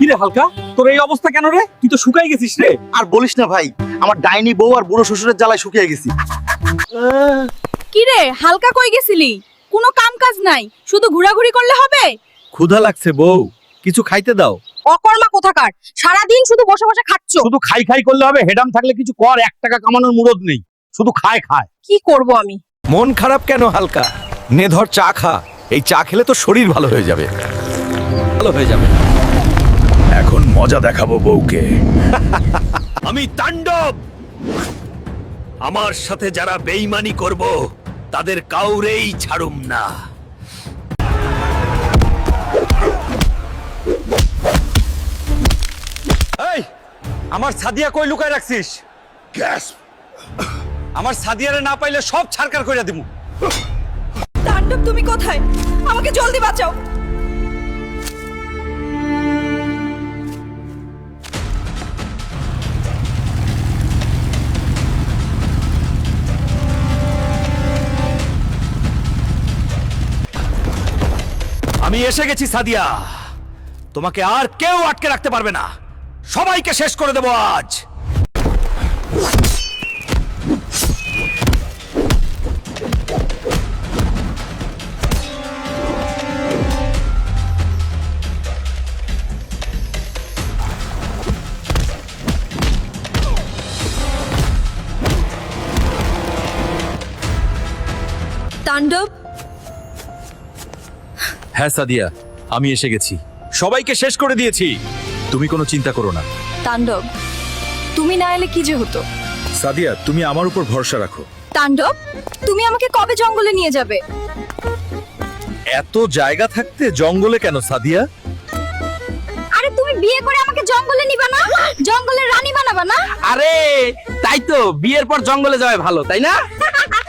কিরে হালকা, তোর এই অবস্থা কেন রে? তুই তো শুকাই গেছিস রে। আর বলিস না ভাই, আমার ডাইনি বউ আর বুড়ো শ্বশুরের জ্বালায় শুকিয়ে গেছি। কি রে হালকা কই গেছিলি? কোনো কাম কাজ নাই, শুধু ঘোরাঘুরি করলে হবে? ক্ষুধা লাগছে বউ, কিছু খাইতে দাও। অকর্মা কোথাকার, সারাদিন শুধু বসে বসে খাচ্ছ। শুধু খাই খাই করলে হবে? হেডাম থাকলে কিছু কর, 1 টাকা কামানোর মুরদ নেই, শুধু খায় খায়। কি করব আমি? মন খারাপ কেন হালকা? নে ধর চা খা, এই চা খেলে তো শরীর ভালো হয়ে যাবে। ভালো হয়ে যাবে। এখন মজা দেখাবো বউকে। আমি তাণ্ডব। আমার সাথে যারা বেঈমানি করব তাদের কাউরেই ছাড়ুম না। এই, আমার সাদিয়া কই লুকায় রাখছিস? গ্যাস আমার সাদিয়ারে না পাইলে সব ছারকার কইরা দিমু। তাণ্ডব তুমি কোথায়? আমাকে জলদি বাঁচাও। আমি এসে গেছি সাদিয়া, তোমাকে আর কেউ আটকে রাখতে পারবে না, সবাইকে শেষ করে দেব আজ। তাণ্ডব, হ্যাঁ সাদিয়া, আমি এসে গেছি, সবাইকে শেষ করে দিয়েছি, তুমি কোনো চিন্তা করো না। তাণ্ডব তুমি না এলে কি যে হতো? সাদিয়া, তুমি আমার উপর ভরসা রাখো। তাণ্ডব তুমি আমাকে কবে জঙ্গলে নিয়ে যাবে? এত জায়গা থাকতে জঙ্গলে কেন সাদিয়া? আরে তুমি বিয়ে করে আমাকে জঙ্গলে নিবা না? জঙ্গলের রানী বানাবা না? আরে তাই তো, বিয়ের পর জঙ্গলে যাওয়া ভালো, তাই না?